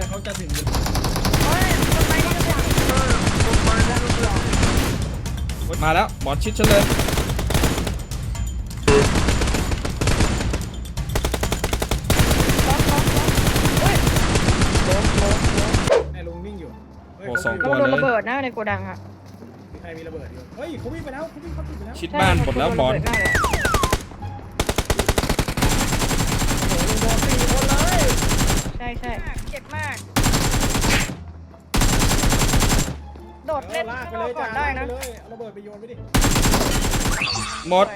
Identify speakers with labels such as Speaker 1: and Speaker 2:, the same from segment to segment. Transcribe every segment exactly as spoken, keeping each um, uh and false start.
Speaker 1: เขาจะถึง
Speaker 2: มาแล้วบอลชิดฉันเลย
Speaker 1: ไอ้ลุงวิ่งอยู่
Speaker 2: โอ้สองตั
Speaker 3: ก็
Speaker 2: ว
Speaker 3: โดน
Speaker 2: เล
Speaker 3: ระ
Speaker 2: ย
Speaker 3: เบิดนะในโกดังอะ
Speaker 1: มีใครมีระเบิดอยู่เฮ้ยเขาวิ่งไปแล้วเขาวิ่งเขาติดไปแล้ว
Speaker 2: ชิดบ้านหมดแล้วบอล
Speaker 3: ใช่ใช่เจ็บมากโดดเล่น
Speaker 1: ลากไป
Speaker 3: ข้างน
Speaker 1: เล
Speaker 3: อก
Speaker 1: ย
Speaker 3: ก่
Speaker 1: จ้า
Speaker 3: อนได้นะ
Speaker 1: เลยเอาระเบิดไปโยนไปดิ
Speaker 2: หมด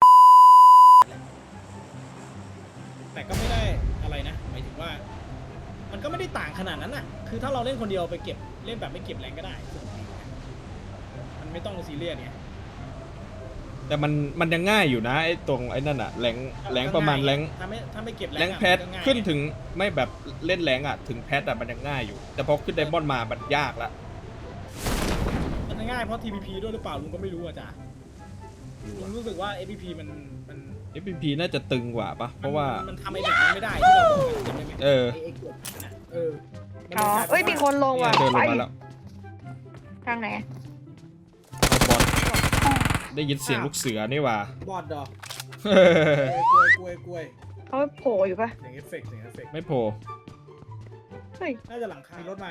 Speaker 1: แต่ก็ไม่ได้อะไรนะหมายถึงว่า มันก็ไม่ได้ต่างขนาดนั้นน่ะคือถ้าเราเล่นคนเดียวไปเก็บเล่นแบบไม่เก็บแรงก็ได้มันไม่ต้องซีเรียสไง
Speaker 2: แต่มันมันยังง่ายอยู่นะไอ้ตรงไอ้นั่นอะแรงแรงประมาณแรง
Speaker 1: ถ้าไม่ถ้าไม่เก็บ
Speaker 2: แรงแพทขึ้นถึงไม่แบบเล่นแรงอะถึงแพทอะมันยังง่ายอยู่แต่พอขึ้นไดมอนด์มามันยากละ
Speaker 1: มันง่ายเพราะ ที พี พี ด้วยหรือเปล่าลุงก็ไม่รู้อ่ะจ้ะลุงรู้สึกว่า เอฟ พี พี มันมัน
Speaker 2: เอฟ พี พี น่าจะตึงกว่าปะเพราะว่า
Speaker 1: มันทำไอ้แบบนั้นไม่ได้ที่เราบอกกันใช่ไหม
Speaker 2: เออ
Speaker 1: ไอ้กดนะเออ
Speaker 3: อ๋อเอ้ยมีคนลงว่ะ
Speaker 2: เดินล
Speaker 3: ไป
Speaker 2: งมาแล้ว
Speaker 3: ทางไหน
Speaker 2: บอลได้ยินเสียงลูกเสือนี่ว่า
Speaker 1: บอดดอกกล้วยกล้วยกล้วย
Speaker 3: เขาโผล่อยู่ปะ
Speaker 1: เสียงเอฟเฟกต์เสียงเอฟเฟกต์
Speaker 2: ไม่โผล่
Speaker 3: เฮ้ย
Speaker 1: น่าจะหลังคารถมา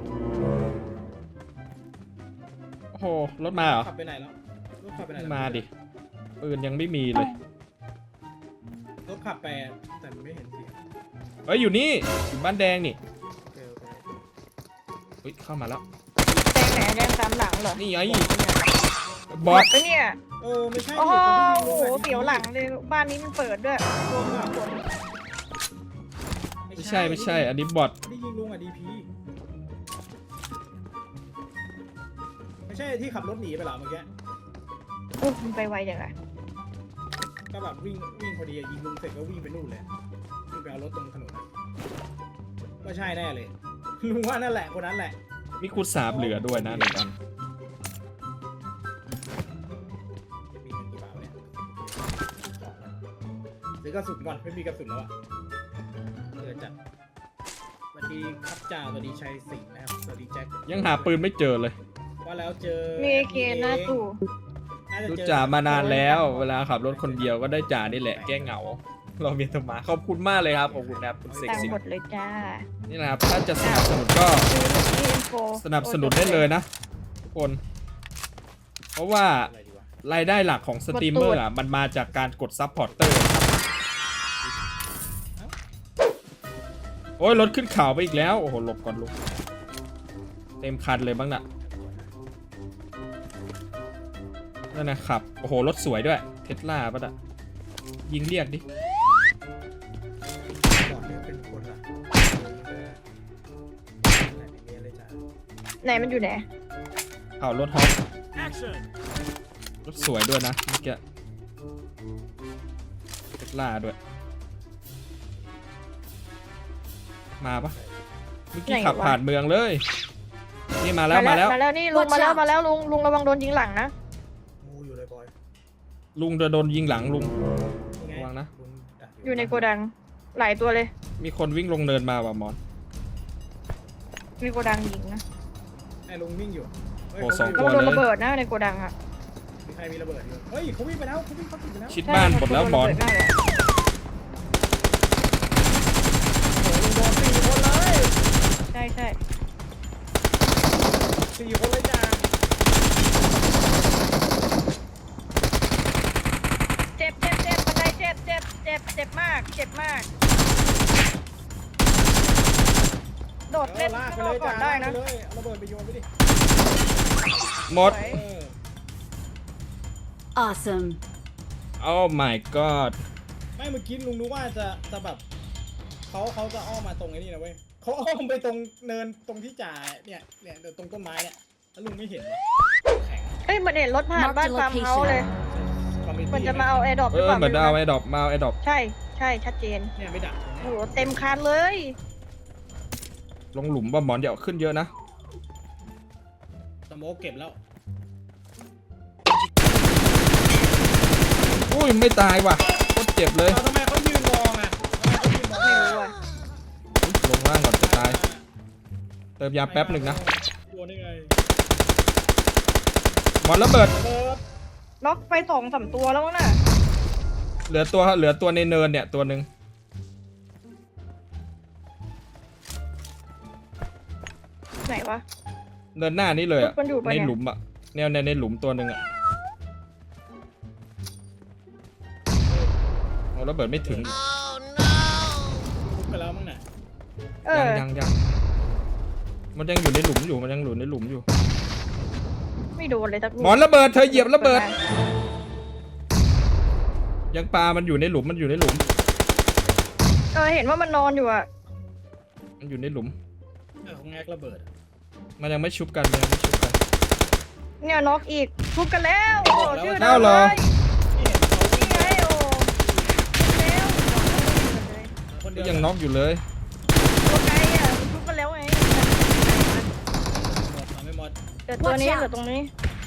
Speaker 2: โอ้โหรถมาเหรอ
Speaker 1: ขับไปไหนแล้วรถขับไปไหน
Speaker 2: มาดิปืนยังไม่มีเลย
Speaker 1: รถขับไปแต่ไม่เห็นเสียง
Speaker 2: เอ้ยอยู่นี่อยู่บ้านแดงนี่
Speaker 1: โอเคโอเค
Speaker 2: เฮ้ยเข้ามาแล้ว
Speaker 3: แดงไหนแดงตามหลังเหรอ
Speaker 2: นี่ไง
Speaker 3: บบ อ
Speaker 2: อ
Speaker 3: ด
Speaker 2: ส
Speaker 3: ปะเนี่ย
Speaker 1: เออไม่ใช่
Speaker 3: โอ้
Speaker 1: ดิ
Speaker 3: โห
Speaker 1: คนที่ยิงลูกอะ
Speaker 3: เสียวหลังเลยบ้านนี้มันเปิดด้วยรวมสามคน
Speaker 2: ไม่ใช่ไม่ใช่อันนี้บอท
Speaker 1: ที่ยิงลุงอ่ะดีพีไม่ใช่ที่ขับรถหนีไปเหรอเมื่อกี้
Speaker 3: อุ๊ยมันไปไวจังอะ
Speaker 1: ก็แบบวิ่งวิ่งพอดีอะยิงลุงเสร็จก็วิ่งไปนู่นเลยวิ่งไปเอารถตรงถนนอะก็ใช่แน่เลยลุงว่านั่นแหละคนนั้นแหละ
Speaker 2: มีคูณสามเหลือด้วยนะหนึ่งอัน
Speaker 1: มีเงินกี่บาทเนี่ยซื้อกระสุนก่อนไม่มีกระสุนแล้วอะเออจัดสวัสดีครับจ่าสวัสดีชัยสิงห์นะครับสวัสดีแจ็ค
Speaker 2: ยังหาปืนไม่เจอเลย
Speaker 1: ว่าแล้วเจอ
Speaker 3: มีเกณฑ์หน้าตู้
Speaker 1: น่าจะ
Speaker 2: รู้
Speaker 1: เจอ
Speaker 2: จ่ามานานแล้ว เวลาขับรถคนเดียวก็ได้จ่านี่แหละแก้เหงา เราเมียนธรรมาขอบคุณมากเลยครับขอบคุณนะครับคุณเสก
Speaker 3: ตัง
Speaker 2: สิ
Speaker 3: หมดเลยจ้า
Speaker 2: นี่นะครับถ้าจะสนับสนุนก็
Speaker 3: ดูอินโฟ
Speaker 2: สนับสนุนได้เลยนะทุกคน เพราะว่า
Speaker 1: อะไรดีวะ
Speaker 2: รายได้หลักของสตรีมเมอร์อ่ะมันมาจากการกดซับพอร์เตอร์ครับโอ้ยรถขึ้นเขาไปอีกแล้วโอ้โหหลบก่อนลุกเต็มคันเลยบ้างน่ะนั่นนะครับโอ้โหรถสวยด้วยเทสลาป่ะน่ะยิงเรียกดิ
Speaker 1: ก่อนเนี่ยเป็นคนละไหนมีอะไรจ้ะ
Speaker 3: ไหนมันอยู่ไหน
Speaker 2: เอารถฮอปรถสวยด้วยนะเมื่อกี้เทสลาด้วยมาปะเมื่อกี้ขับผ่านเมืองเลยนี่มาแล้วมาแล้ว
Speaker 3: มาแล้วนี่ลุงมาแล้วมาแล้วลุงลุงระวังโดนยิงหลังนะ
Speaker 1: งูอยู่เลยบอย
Speaker 2: ลุงจะโดนยิงหลังลุง
Speaker 1: นี่ไง
Speaker 2: ระวังนะ
Speaker 1: ลุงดัก
Speaker 3: อยู่ในโกดังหลายตัวเลย
Speaker 2: มีคนวิ่งลงเนินมาว่ะมอน
Speaker 3: มีโกดังยิงนะ
Speaker 1: ไอ้ลุงวิ่งอยู่เฮ้ย
Speaker 2: โอ้
Speaker 1: เขา
Speaker 2: สอง
Speaker 1: วิ่
Speaker 3: ก็
Speaker 1: ยู่
Speaker 3: โดนระเบิดนะในโกดังอะ
Speaker 1: มีใครมีระเบิดอยู่เฮ้ยเขาวิ่งไปแล้วเขาวิ่งเขาติดไปแล้ว
Speaker 2: ชิดบ้านหมดแล้วมอน
Speaker 3: โดนระเบิดมากเลย
Speaker 1: โอ้โหลุงโดนสี่คนเลย
Speaker 3: ใช่ใช่
Speaker 1: สี่คนเลยจ้า
Speaker 3: เจ็บเจ็บเจ็บบันไดเจ็บเจ็บเจ็บเจ็บมากเจ็บมากโดด
Speaker 1: เอ
Speaker 3: เล่
Speaker 1: อน ลาก
Speaker 3: ข้าง
Speaker 1: ไป
Speaker 3: น
Speaker 1: เล
Speaker 3: อก
Speaker 1: ย
Speaker 3: ก่อ
Speaker 1: จ้าน
Speaker 3: ได้นะ
Speaker 1: ลากไปเลยเอาระเบิดไปโยนไปดิ
Speaker 2: หมด
Speaker 3: สวย
Speaker 1: เออ
Speaker 4: Awesome.
Speaker 2: Oh my god
Speaker 1: ไม่เมื่อกี้ลุงนึกว่าจะจะแบบเขาเขาจะอ้อมมาตรงไอ้นี่นะเว้ยเขาอ้อมไปตรงเนินตรงที่จ่าเนี่ยเนี่ยเดี๋ยวตรงต้นไม้เนี่ยแล้วลุงไม่เห็นวะแข็ง
Speaker 3: เอ้ยเหมันเห็นรถผ่าน
Speaker 4: Mark
Speaker 3: บ้าน
Speaker 4: the
Speaker 3: ฟาร์มเฮาส์
Speaker 4: location
Speaker 3: เลย
Speaker 1: Community
Speaker 3: มันจะมาเอาแอร์ดรอปห
Speaker 2: เอ
Speaker 3: รือ
Speaker 2: อ
Speaker 3: เปล่า
Speaker 2: เหมือนเอาไอ้ดอกมาเอาไอ้ดอก
Speaker 3: ใช่ใช่ชัดเจน
Speaker 1: เนี่ยไม่ดัก
Speaker 3: โอ้โหเต็มคันเลย
Speaker 2: ลงหลุมว่ะหมอนเดี๋ยวขึ้นเยอะนะ
Speaker 1: สโมกเก็บแล้ว
Speaker 2: อุ้ยไม่ตายว่ะโคตรเจ็บเลย
Speaker 1: เราทำไมเขายืนมองอ่ะทำไมเขายืนมอง
Speaker 3: ไม่รู้อ่ะ
Speaker 2: ลงล่างก่อนจะตายเติมยาแป๊บหนึ่งนะ
Speaker 1: โดนได้ไง
Speaker 2: หมอนระเบิด
Speaker 1: เบิร์ด
Speaker 3: น็อกไปสองสามตัวแล้วมั้งน่ะ
Speaker 2: เหลือตัวเหลือตัวในเนินเนี่ยตัวหนึ่ง
Speaker 3: ไหนวะ
Speaker 2: เนินหน้านี้เลยอะ
Speaker 3: มันอยู่ปะ
Speaker 2: ใน
Speaker 3: เนี่ย
Speaker 2: หลุมอะแนวในในหลุมตัวหนึ่งอะเอาระเบิดไม่ถึง
Speaker 1: ทุบไปแล้วมั้งน่ะ
Speaker 3: เอ
Speaker 2: ยั
Speaker 3: อง
Speaker 2: ยังยังมันยังอยู่ในหลุมอยู่มันยังอยู่ในหลุมอยู่
Speaker 3: ไม่โดนเลยสักลูก
Speaker 2: หมอนระเบิดเธอเหยียบระเบิด ยังปลามันอยู่ในหลุมมันอยู่ในหลุม
Speaker 3: เออเห็นว่ามันนอนอยู่อะ
Speaker 2: มันอยู่ในหลุม
Speaker 1: เออของแงกระเบิด
Speaker 2: มันยังไม่ชุบกันมันยังไม่ชุบกัน
Speaker 3: เนี่ยน็อกอีกทุบกันแล้วโอ้ชื่อ
Speaker 2: เอ้าเหรอ
Speaker 1: ที่เห็นเขา
Speaker 3: นี่ไงโอ้แล้ว
Speaker 1: คน
Speaker 2: ก็
Speaker 1: เดียว
Speaker 2: ยังน็อกอยู่เลย
Speaker 3: ตัวไกลอ่ะทุบกันแล้วไง
Speaker 1: หมดมาไม่หมด
Speaker 3: เดี๋ยวตัวนี้เหลือตรงนี้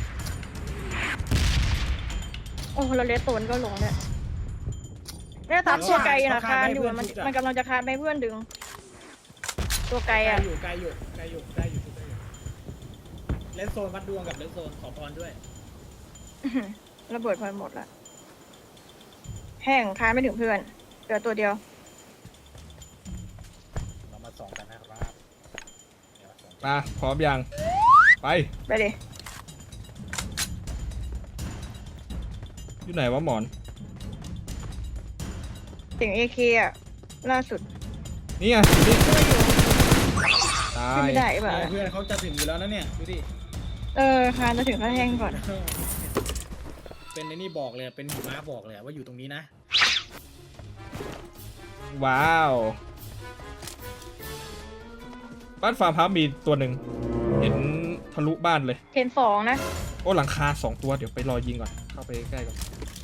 Speaker 3: โอ้เราเลสโตนก็ลงเนี่ยเนี่ยตามตัวไกลนะคานอยู่มันมันกำลังจะคานไปเพื่อนดึง ตัวไกล
Speaker 1: ไกล
Speaker 3: อ่ะ
Speaker 1: อยู่ไกลอยู่ไกลอยู่ได้อยู่ได้อยู่เลนโซนวัดดวงกับเลนโซนขอพรด้วย
Speaker 3: ระเบิดพอหมดละแห้งคานไม่ถึงเพื่อนเหลือตัวเดียว
Speaker 1: เรามาส่องกันนะครับเดี๋ยวส่อง
Speaker 2: มาพร้อมยังไป
Speaker 3: ไปดิ
Speaker 2: อยู่ไหนวะหมอน
Speaker 3: เสียงเอเคอ่ะล่าสุด
Speaker 2: นี่ไงอยู่นี่ตา
Speaker 3: ขึ้น
Speaker 2: ย
Speaker 3: ไม่ได้ป่ะ
Speaker 1: เนี่ยเพื่อนเขาจะถึงอยู่แล้วนะเนี่ยดูดิ
Speaker 3: เออคานจะถึงขั้นแห้งก่อน
Speaker 1: เป็นในนี่บอกเลยเป็นหิมะบอกเลยว่าอยู่ตรงนี้นะ
Speaker 2: ว้าวบ้านฟาร์มฮับมีตัวหนึ่งเห็นทะลุบ้านเลย
Speaker 3: เทนสองนะ
Speaker 2: โอ้หลังคาสองตัวเดี๋ยวไปรอยิงก่อนเข้าไปใกล้ๆก่อน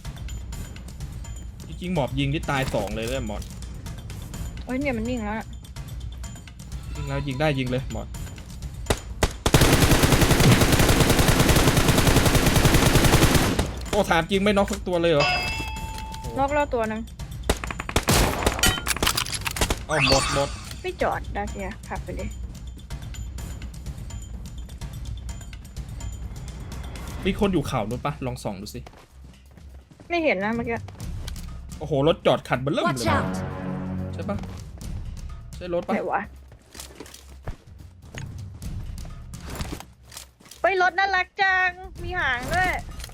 Speaker 2: จริงๆหมอบยิงที่ตายสองเลยเลยหมอน
Speaker 3: โอ้ยเนี่ยมันนิ่งแล้วน่ะ
Speaker 2: ยิงแล้วยิงได้ยิงเลยหมอนโอ้ถามจริงไม่น็อกสักตัวเลยเหรอ
Speaker 3: นอกแล้วตัวหนึง
Speaker 2: เอาหมดหมด
Speaker 3: ไม่จอดดาเซียขับไปเลย
Speaker 2: มีคนอยู่เขานู้นปะลองส่องดูสิ
Speaker 3: ไม่เห็นนะเมื่อกี้
Speaker 2: โอ้โหรถจอดขัดเบิ่มเลย
Speaker 4: Watch out!
Speaker 2: ใช่ปะใช่รถปะ
Speaker 3: ไหนวะไปรถน่ารักจังมีหางด้วย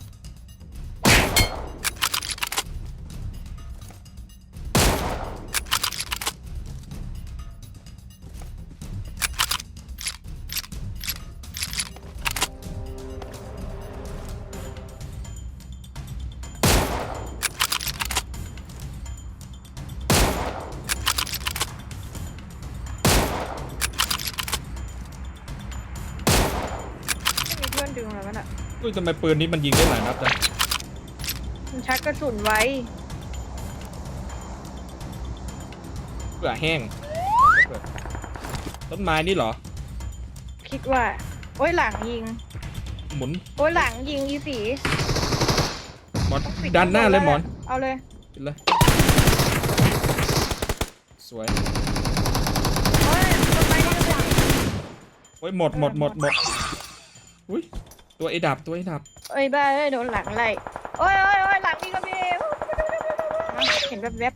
Speaker 3: ไม่มีเพื่อนดึงแล้วมันอ่ะ
Speaker 2: อุ้ยทำไมปืนนี้มันยิงได้หลายนัดจัง
Speaker 3: มันชักกระสุนไว้
Speaker 2: เผื่อแห้งต้นไม้นี่เหรอ
Speaker 3: คิดว่า โอ้ยหลังยิง
Speaker 2: หมุน
Speaker 3: โอ้ยหลังยิงอีสี
Speaker 2: หมอนดันหน้าเลยหมอน
Speaker 3: เอาเลย
Speaker 2: ปิดเลย สวย
Speaker 3: โอ้ยต้นไม้นี่เลย
Speaker 2: โอ้ยหมดหมดหมดหมดอุ้ยตัวไอ้ดับตัวไอ้ดับ
Speaker 3: เอ้ยบ้าเอ้ยโดนหลังไล่โอ้ยโอ้ยโอ้ยหลังนี่ก็มีเห็นแวบ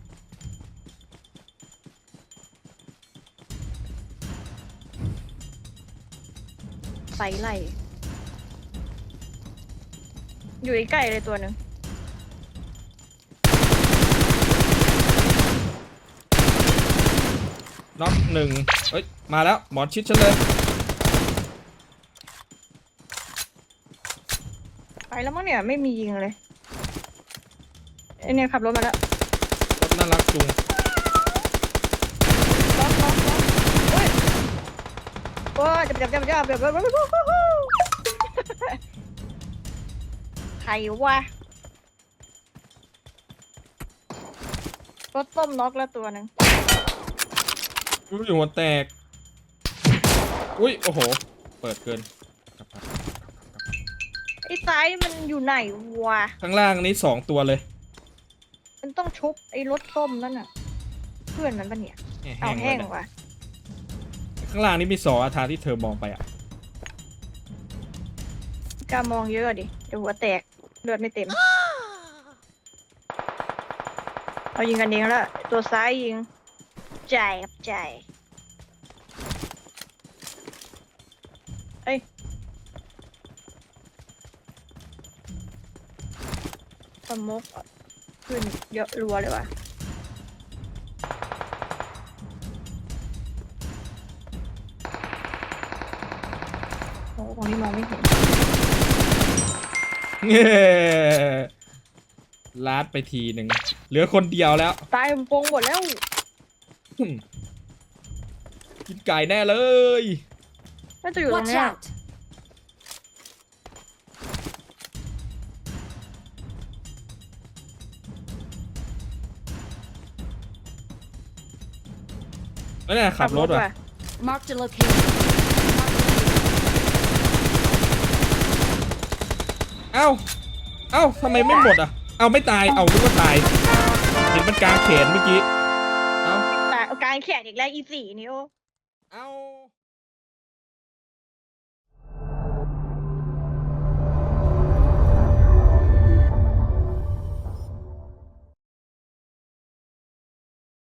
Speaker 3: ๆใส่ไล่อยู่ใกล้ๆเลยตัวหนึ่ง
Speaker 2: น็อกหนึ่งเฮ้ยมาแล้วหมอนชิดฉันเลย
Speaker 3: ไปแล้วมั้งเนี่ยไม่มียิงเลยไอเนี่ยขับรถมาแล้ว
Speaker 2: รถน่ารักจุง
Speaker 3: ล็อกล็อกล็อกโอ้ยโอ้ยจับจับจับจับจับใครวะรถต้มน็อกแล้วตัวหนึ่ง
Speaker 2: อุ้ยหัวแตกอุ้ยโอ้โหเปิดเกิน
Speaker 3: ไอ้ซ้ายมันอยู่ไหนวะ
Speaker 2: ข้างล่างนี้สองตัวเลย
Speaker 3: มันต้องชุบไอ้รถส้มนั่นน่ะ เพื่อนมันปะเนี่ย
Speaker 2: แห้
Speaker 3: เอา
Speaker 2: ง
Speaker 3: แห้ง
Speaker 2: เลย
Speaker 3: ว่ะ
Speaker 2: ขข้างล่างนี่มีสออาทางที่เธอมองไปอ่ะ
Speaker 3: กล้ามองเยอะดิเดี๋ยวหัวแตกเลือดไม่เต็มเอายิงกันเองแล้วตัวซ้ายยิงใจครับใจเอ้ยสมกขึ้นเยอะรัวเลยว่ะโอ้ตรงนี้มองไม่เห็น
Speaker 2: เย้ลาดไปทีหนึ่งเหลือคนเดียวแล้ว
Speaker 3: ตายมันโปงหมดแล้ว
Speaker 2: อืมกินไก่แน่เลย
Speaker 3: น่าจะอยู่ตรง
Speaker 4: Watch
Speaker 3: เนี้ย
Speaker 4: out!
Speaker 2: แล้วเนี่ยขับรถ
Speaker 3: ว่ะ
Speaker 2: ว่ะ
Speaker 4: Marked a location.
Speaker 2: เอ้า เอ้าทำไมไม่หมดอ่ะ เอ้าไม่ตาย เอ้านึกว่าตาย เห็นมันกลางแขนเมื่อกี้ เอ้า
Speaker 3: ตายเอากลารแขนอีกแล้วอีสี่นี่โอ้
Speaker 2: เอ้า